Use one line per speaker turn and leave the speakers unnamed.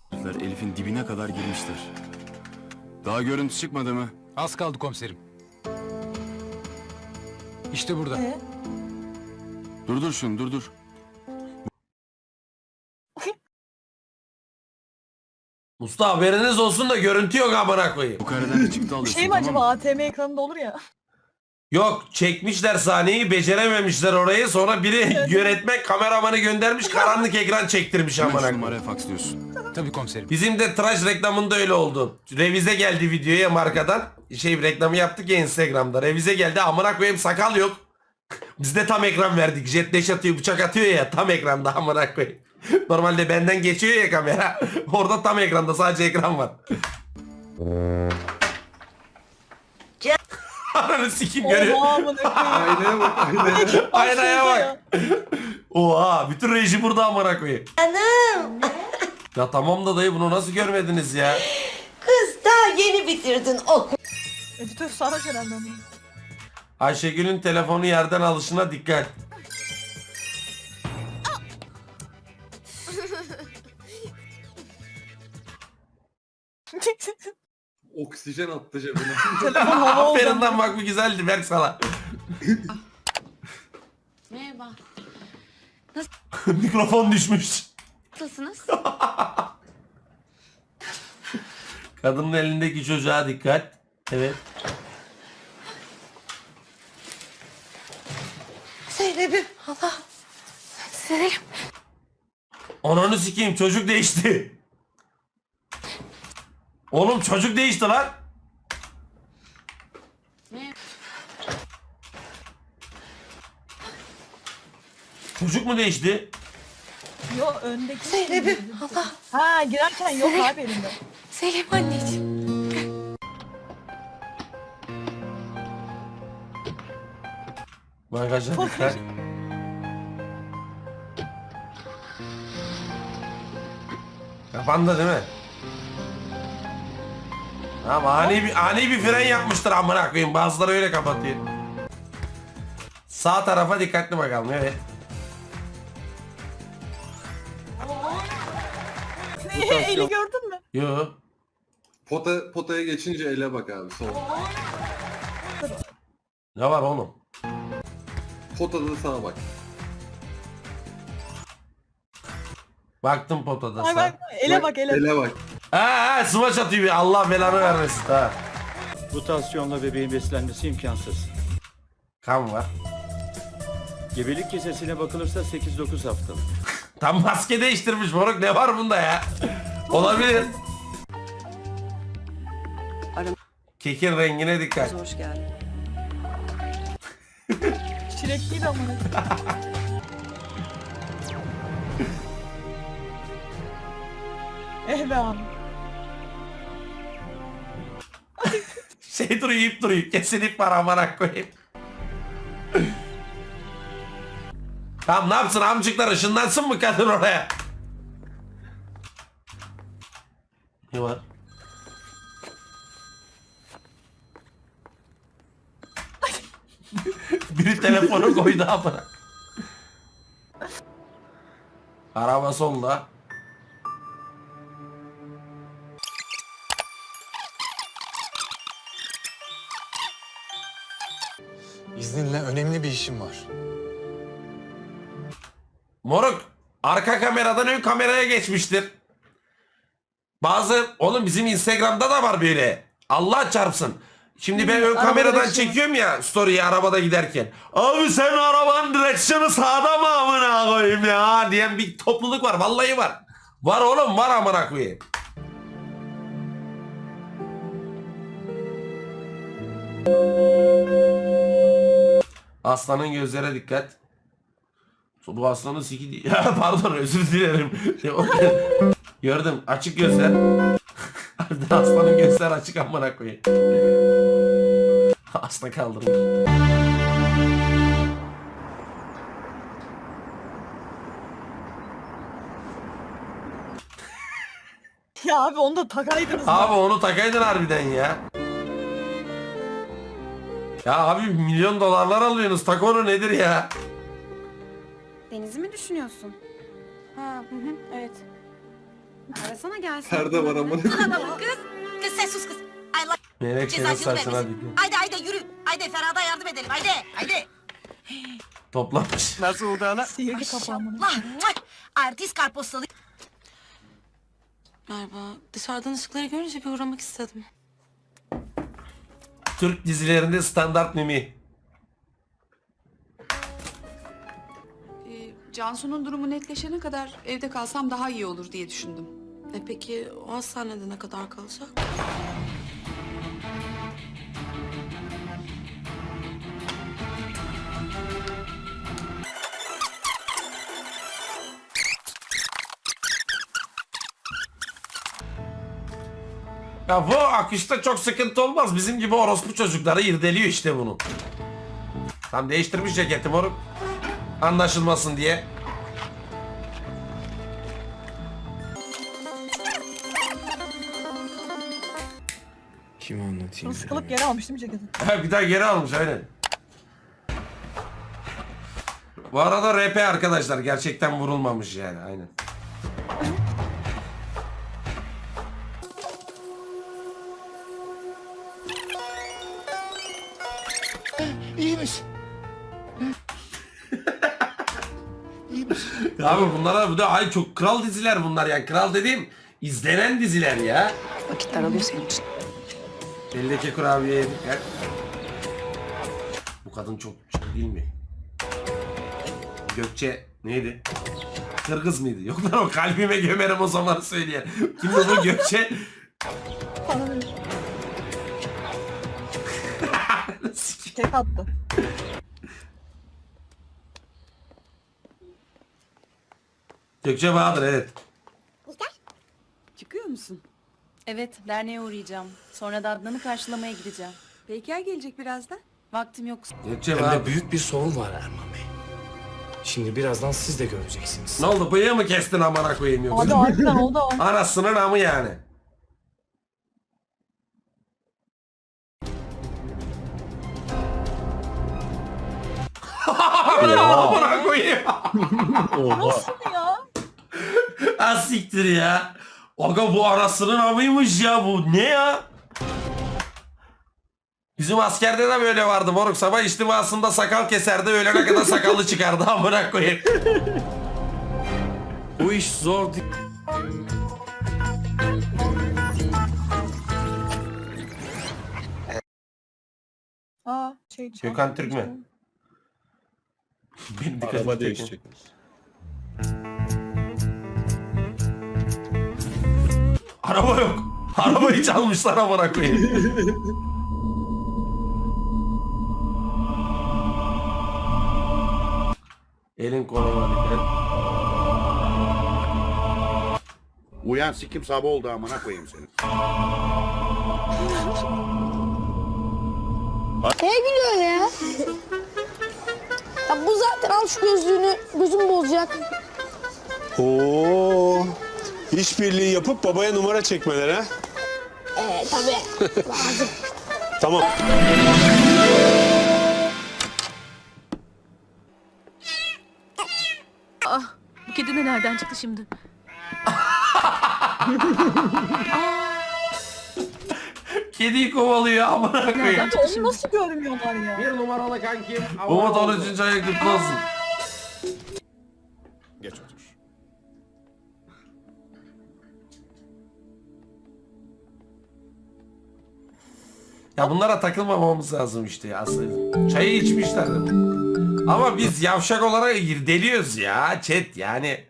Elif'in dibine kadar girmiştir. Daha görüntü çıkmadı mı?
Az kaldı komiserim. İşte burada.
Durdur şunu, durdur.
Usta haberiniz olsun da görüntü yok amına koyayım.
Bu kareden bir çıktı alıyorsun,
Şey mi
tamam
acaba
mı?
ATM ekranında olur ya.
Yok çekmişler sahneyi becerememişler orayı sonra biri yönetmen kameramanı göndermiş karanlık ekran çektirmiş
Hemen
amına
şu
koyayım.
numaraya faksliyorsun.
Tabii komiserim.
Bizim de tıraş reklamında öyle oldu. Revize geldi videoya markadan. Reklamı yaptık ya Instagram'da. Revize geldi amına koyayım sakal yok. Biz de tam ekran verdik. Jet dash atıyor bıçak atıyor ya tam ekranda amına koyayım. Normalde benden geçiyor ya kamera. Orada tam ekranda sadece ekran var. Ananı sikim görüyor.
Oha amına koyayım.
Aynaya bak aynaya.
Aynaya bak.
Ya.
Oha bütün reji burada amına koyayım.
Canım.
Ya tamam da dayı bunu nasıl görmediniz ya?
Kız daha yeni bitirdin okul.
Editör sarhoş herhalde onu.
Ayşegül'ün telefonu yerden alışına dikkat.
Oksijen attı cebine.
Telefon hava oldu.
Aferin lan bak bu güzeldi Berk sana.
Merhaba.
Mikrofon düşmüş.
Nasılsınız?
Kadının elindeki çocuğa dikkat. Evet.
Zeynep'im Allah. Zeynep.
Ananı sikeyim çocuk değişti. Oğlum çocuk değişti lan.
Merhaba.
Çocuk mu değişti?
Yo öndeki.
Zeynep'im Allah.
Ha girerken yok abi elinde.
Zeynep anneciğim.
Bagaja dikkat. Kapandı değil mi? Ama ani bir fren yapmıştır amına koyayım. Bazıları öyle kapatıyor. Sağ tarafa dikkatli bakalım evet.
Eli gördün mü?
Yo.
Potaya geçince ele bak abi sol.
Ne var oğlum?
Potada sana bak.
Baktım potada
Ay
sağ.
bak ele bak ele.
Ele bak.
Ha smaç atıyor bir Allah belanı vermesin ha.
Bu tansiyonla bebeğin beslenmesi imkansız.
Kan var.
Gebelik kesesine bakılırsa 8-9 haftalık.
Tam maske değiştirmiş moruk ne var bunda ya? Olabilir. Kekin rengine dikkat.
Hoş geldin.
Çilekliydi amına. Be abi.
Duruyor ip duruyor. Kesin ip var amına koyayım. Tamam ne yapsın amcıklar ışınlansın mı kadın oraya? Ne var? Biri telefonu koydu amına. Araba solda.
İzninle önemli bir işim var.
Moruk arka kameradan ön kameraya geçmiştir. Oğlum bizim Instagram'da da var böyle. Allah çarpsın. Şimdi ben ön
arabada
kameradan
direksiyon.
çekiyorum ya story'i arabada giderken. Abi sen arabanın direksiyonu sağda mı amına koyayım ya diyen bir topluluk var. Vallahi var. Var oğlum var amına koyayım. Aslanın gözlere dikkat. Bu aslanın siki değil. Ya pardon özür dilerim. Gördüm açık gözler. Aslanın gözler açık amına koyayım. Aslan kaldırmış.
Ya abi onu da takaydınız.
Abi onu takaydın harbiden ya. Ya abi milyon dolarlar alıyorsunuz. Tak onu nedir ya?
Deniz'i mi düşünüyorsun? Ha, evet. Arasana gelsin.
Perde var ama.
Kız sen sus kız. Allah
Menekşe'nin
cezasını
saçına
vermesin.
dikkat.
Haydi haydi yürü. Haydi Ferhat'a yardım edelim. Haydi haydi.
Toplamış.
Sihirli kapağımını.
Allah. Artist karpostalı. Merhaba. Dışarıdan ışıkları görünce bir uğramak istedim.
Türk dizilerinde standart mimi.
Cansu'nun durumu netleşene kadar evde kalsam daha iyi olur diye düşündüm.
Peki o hastanede ne kadar kalacak?
Ya bu akışta çok sıkıntı olmaz. Bizim gibi orospu çocukları irdeliyor işte bunu. Tam değiştirmiş ceketi moruk. Anlaşılmasın diye.
Kime anlatayım?
Sıkılıp geri almış değil mi ceketi?
Bir daha geri almış aynen. Bu arada RP arkadaşlar gerçekten vurulmamış yani aynen. Abi bunlara bu da ay çok kral diziler bunlar yani. Kral dediğim izlenen diziler ya.
Vakitler alıyor senin için.
Eldeki kurabiye yedik ya. Bu kadın çok değil mi? Gökçe neydi? Kırgız mıydı? Yok lan o kalbime gömerim o zaman söyleyen. Kimdi bu Gökçe?
Bana ver. Tek attı.
Gökçe Bahadır evet.
Çıkıyor musun?
Evet, derneğe uğrayacağım. Sonra da Adnan'ı karşılamaya gideceğim.
Peyker gelecek birazdan.
Vaktim yok.
Gökçe
Hem
Bahadır.
de büyük bir sorun var Erman Bey. Şimdi birazdan siz de göreceksiniz.
Ne oldu bıyığı mı kestin amına koyayım
Abi
yoksa?
harbiden oldu o.
Anasının amı yani. Amına koyayım.
Nasıl ya?
Az siktir ya. Aga bu anasının amıymış ya bu. Ne ya? Bizim askerde de böyle vardı moruk. Sabah içtimasında sakal keserdi. Öğlene kadar sakallı çıkardı. Amına koyayım.
Bu iş zor değil.
Aa
Gökhan Türk mü? Benim dikkatimi çekin. Araba yok. Arabayı çalmışlar amına koyayım. Elin koluma dikkat.
Uyan sikim sabah oldu amına koyayım seni.
Neye gülüyorsun ya? Ya bu zaten al şu gözlüğünü, gözüm bozacak.
Oo, işbirliği yapıp babaya numara çekmeler ha?
Tabii. Lazım.
Tamam.
Bu kedi de nereden çıktı şimdi?
Kediyi kovalıyor amına koyayım.
Onu nasıl görmüyorlar ya?
Bir numaralı kankim.
Umut 13. ayı kutlu olsun.
Geç otur.
Ya bunlara takılmamamız lazım işte ya aslında. Çayı içmişler. Ama biz yavşak olarak irdeliyoruz ya chat yani.